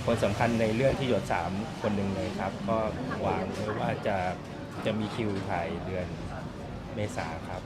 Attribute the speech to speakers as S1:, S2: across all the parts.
S1: คนสำคัญในเรื่องที่หยด3คนหนึ่งเลยครับก็วางไว้ว่าจะมีคิวถ่ายเดือนเมษาครับ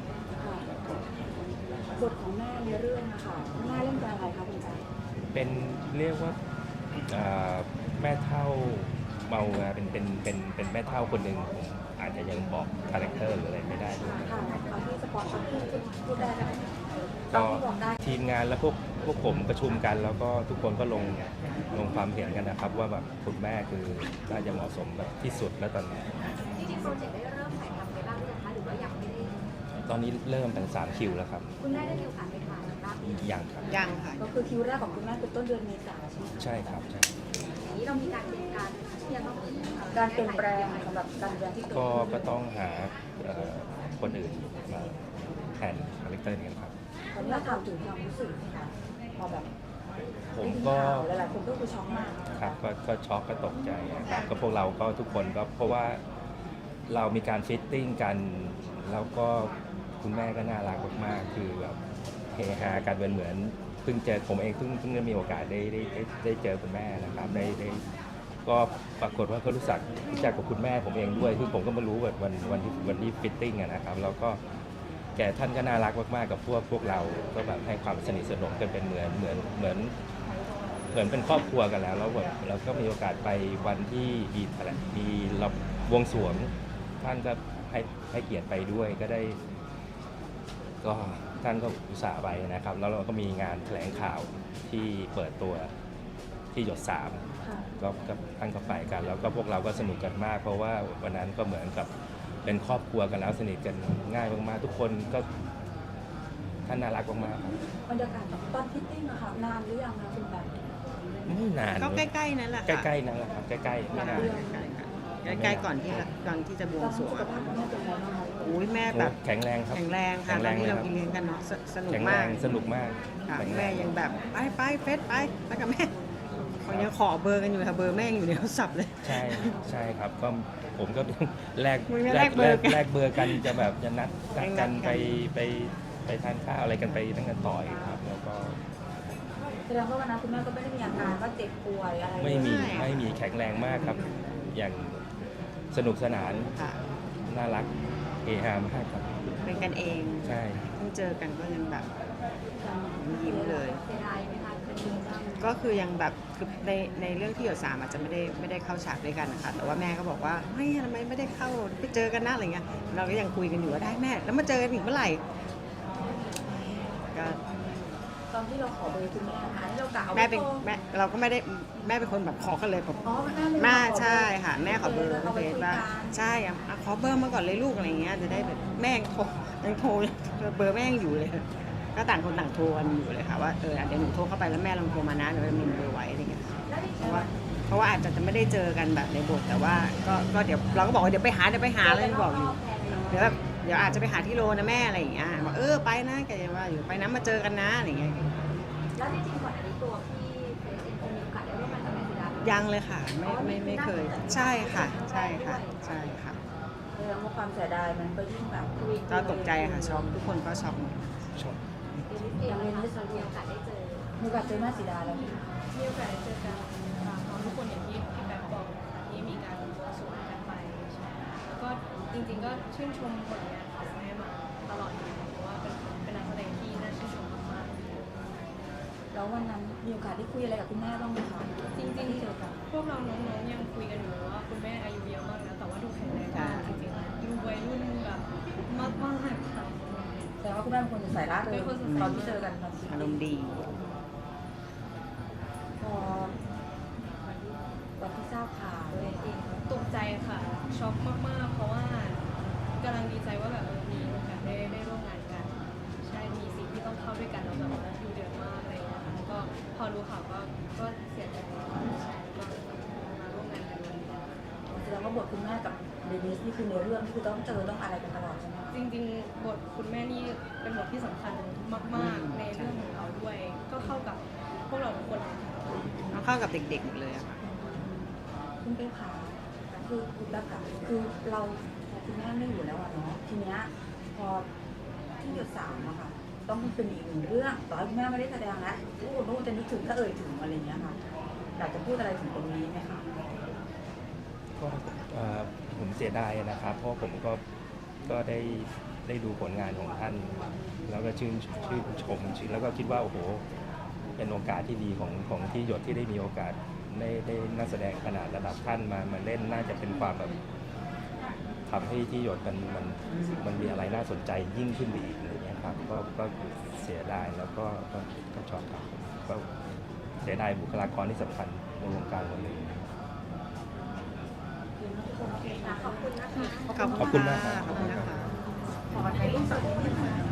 S2: บทของแม่ในเรื่องนะคะแม่เล่นเป็นอะไรคะคุณแจ๊ค
S1: เป็นเรียกว่าแม่เฒ่าเมาเป็นแม่เฒ่าคนหนึ่งผมอาจจะยังบอกคาแรคเตอร์หรืออะไรไม่ได้ด้วย
S2: ค่ะเอาที่สปอร์ตพูดได้ไหม
S1: ก็
S2: บอกได้
S1: ทีมงานและพวกผมประชุมกันแล้วก็ทุกคนก็ลงความเห็นกันนะครับ ว่าแบบคุณแม่คือน่าจะเหมาะสมแบบที่สุดแล้วตอนนี้
S3: จริงๆโปรเจกต์ได้เริ่มถ่ายทำไปบ้างหรือยังคะหรือว่ายังไม่ได้
S1: ตอนนี้เริ่มเป็น3คิวแล้วครับ
S3: คุณแม่ได้มีโอกาสไปถ่ายบ้างไหม
S1: ยังครับ
S4: ยังค่ะ
S2: ก็คือคิวแรกของคุณแม่คือต้นเดือนเมษายนใช่ไหมคะ
S1: ใช่ครับใช่
S3: อย่างนี้เรามีการเตรียมการที่จะต้อง
S2: การเปลี่ยนแปลงสำหรับการเรียนที่เกิดขึ้น
S1: ก็ต้องหาคนอื่นมาแทนคาแรคเตอร์นี้ครับ
S2: ตอนนี้ถามถึงความรู้สึกนะคะพอแบบ
S1: ผมก็
S2: หลายๆคนก็คือช็อกมาก
S1: ครับก็ช็อกก็ตกใจนะครับก็พวกเราก็ทุกคนก็เพราะว่าเรามีการฟิตติ้งกันแล้วก็คุณแม่ก็น่ารักมากๆคือแบบเฮฮากันเหมือนเพิ่งเจอผมเองเพิ่งได้มีโอกาสได้เจอคุณแม่นะครับได้ก็ปรากฏว่าเขารู้จักกับคุณแม่ผมเองด้วยคือผมก็มารู้แบบวันที่ฟิตติ้งนะครับแล้วก็แกท่านก็น่ารักมากๆกับพวกเราก็แบบให้ความสนิทสนมกันเป็นเหมือนเป็นครอบครัวกันแล้วแบบเราก็มีโอกาสไปวันที่มีเราบวงสรวงท่านก็ให้เกียรติไปด้วยก็ท่านก็อุตส่าห์ไปนะครับแล้วเราก็มีงานแถลงข่าวที่เปิดตัวที่หยด3ก็ท่านก็ไปกันแล้วก็พวกเราก็สนุกกันมากเพราะว่าวันนั้นก็เหมือนกับเป็นครอบครัวกันแล้วสนิทกันง่ายมากๆทุกคนก็ท่านน่ารักมากๆ
S2: บรรยากาศตอนฟิตติ้งอะค่ะนานหรือยังคะคุณแบบ
S1: ไม่นาน
S4: ก็ใกล้ๆนั่นแหละค่ะ
S1: ใกล้ๆนั่นแหละครับใกล้ๆไม่นาน
S4: ใกล้ๆก่อนที่จะบวงสรวง
S2: สุขภาพคุณแม่เป็นไงบ้างคะ
S4: โอ้ยแม่แบบ
S1: แข็งแรงครับ
S4: แข็งแรงค่ะตอนที่เรากินเลี้ยงกันเนาะสนุก
S1: แข็งแร
S4: มาก
S1: งสนุกมาก
S4: ค่ะ
S1: แข็งแร
S4: แม่
S1: ง
S4: ยังแบบไปเฟสไปกับแม่เขายังขอเบอร์กันอยู่ค่ะเบอร์แม่ยังอยู่ในโทรศัพท์เลย
S1: ใช่ครับก็ผมก็แลก
S4: มึงไม่แลกเบอร์กัน
S1: แลกเบอร์กันจะแบบจะนัดกัน
S4: นัดกัน
S1: ไปทานข้าวอะไรกันไปตั้งแต่ต่อยครับแล้วก็
S2: แสดงว่าวันนั้นคุณแม่ก็ไม่ได้มีอาการว่าเจ็บป่วยอะไร
S1: ไม่มีแข็งแรงมากครับ อย่างสนุกสนาน
S4: ค่ะ
S1: น่ารักเฮฮามากครับ
S4: เป็นกันเอง
S1: ใช่
S4: เพิ่งเจอกันก็ยังแบบยิ้มเลย
S3: เสียดายไหมคะเป็นจริงจัง
S4: ก็คือยังแบบคือในเรื่องที่หยด3อาจจะไม่ได้เข้าฉากด้วยกันนะคะแต่ว่าแม่ก็บอกว่าไม่ทำไมไม่ได้เข้าไปเจอกันนะอะไรเงี้ยเราก็ยังคุยกันอยู่ว่าได้แม่แล้วมาเจอกันอีกเมื่อไหร่ก็
S2: ตอนที่เราขอเบอร์คุณแม่ค่ะที่เรากะเอา
S4: แม่เป็นแม่เราก็ไม่ได้แม่เป็นคนแบบขอกันเลยแบบ
S2: อ๋อแม่ไม่
S4: แม่
S2: ได้ขอเบอร์
S4: ใช่ค่ะแม่ขอเบอร์
S2: เอา
S4: เฟ
S2: ไป
S4: ซ
S2: คุย
S4: ว่า
S2: กัน
S4: ใช่อ่ะขอเบอร์มาก่อนเลยลูกอะไรเงี้ยจะได้แบบแม่ยังโทรเบอร์แม่ยังอยู่เลยก็ต่างคนต่างโทรกันอยู่เลยค่ะว่าเดี๋ยวหนูโทรเข้าไปแล้วแม่ลองโทรมานะเดี๋ยวจะมีเบอร์ไว้อะไรเงี้ยเพราะว่าอาจจะไม่ได้เจอกันแบบในบทแต่ว่าก็เดี๋ยวเราก็บอกว่าเดี๋ยวไปหาเลยบอกอยู่เดี๋ยวอาจจะไปหาที่โรนะแม่อะไรอย่างเงี้ยบอกไปนะแกจะว่าอยู่ไปนะมาเจอกันนะอะไรเงี้ย
S3: แล้วจริงๆก่อนอันนี้ตัวพี่เฟซเองมีโอกาสได้ร่วมงานกับแม่สุดาไหม
S4: ยังเลยค่ะไม่เคยใช่ค่ะใช่ค่ะ
S2: แสดงว่าความเสียดายมันก็ยิ่งแบบคุย
S4: ก็ตกใจค่ะช็อกทุกคนก็ช็อกหมด
S1: ชอบ
S3: เองเลยเรามีโอกาสได้เจอ
S2: มีโอกาสเจอแม่สีดาแล้ว
S5: มีโอกาสได้เจอกันพร้อมทุกคนอย่างที่พี่แป๊บบอกนะคะที่มีการบวงสรวงกันไปใช่แล้วก็จริงๆก็ชื่นชมผลงานของแม่มาตลอดอยู่เพราะว่าเป็นนักแสดงที่น่าชื่นชมมาก
S2: แล้ววันนั้นมีโอกาสได้คุยอะไรกับคุณแม่บ้างไหมคะ
S5: ๆจริง
S2: ที่เจอกัน
S5: ๆพวกเราน้องๆยังคุยกันอยู่ว่าคุณแม่อายุเยอะมากแล้วแต่ว่าดูแข็งแรงมากจริงๆดูวัยรุ่นแบบมากๆค่ะ
S2: แสดงว่าคุณแม่เป็นคนใส่ร่าเริงตอนที่เจอกันตอนที่
S4: อารมณ์ดี
S2: พอวันที่ทราบข่าว
S5: ตกใจค่ะช็อกมากๆเพราะว่ากำลังดีใจว่าแบบมีโอกาสได้ร่วมงานกันใช่มีสิ่งที่ต้องเข้าด้วยกันแล้วแบบว่าดูเดือดมากอะไรอย่างเงี้ยค่ะแล้วก็พอรู้ข่าวก็เสียใจใช่ก็มาร่วมงานกันวันนี้
S2: แสดงว่าบทคุณแม่กับเดนิสนี่คือในเรื่องที่คือต้องเจอต้องอะไรกันตลอดใช่ไหมคะ
S5: จริงๆบทคุณแม่นี่เป็นบทที่สำคัญมากๆในเรื่องของเราด้วย ก็เข้ากับพวกเราทุกคนเลยค่ะ
S4: เอาเข้ากับเด็กๆหมดเลยอะค่ะ
S2: คุณเป็นขาคือคุณแบบค่ะคือเราคุณแม่ไม่อยู่แล้วอะเนาะทีเนี้ยพอที่หยด3อะค่ะต้องเป็นอีกหนึ่งเรื่องต่อให้คุณแม่ไม่ได้แสดงแล้วทุกคนจะนึกถึงก็เอ่ยถึงอะไรเงี้ยค่ะอยากจะพูดอะไรถึงตรงนี้ไหมคะ
S1: ก็ผมเสียดายนะครับ เพราะผมก็ได้ดูผลงานของท่าน แล้วก็ชื่นชมแล้วก็คิดว่าโอ้โหเป็นโอกาสที่ดีของที่หยดที่ได้มีโอกาสได้นักแสดงขนาดระดับท่านมาเล่นน่าจะเป็นความแบบทำให้ที่หยดมันมีอะไรน่าสนใจยิ่งขึ้นไปอีกอะไรเงี้ยครับก็เสียดายแล้วก็ชอบครับก็เสียดายบุคลากรที่สำคัญในวงการคนหนึ่ง
S3: ขอบคุณนะคะ
S1: ขอบคุณมากครับ
S4: ขอบคุณนะคะ
S2: ขอถ่ายรูปสักนิดนึง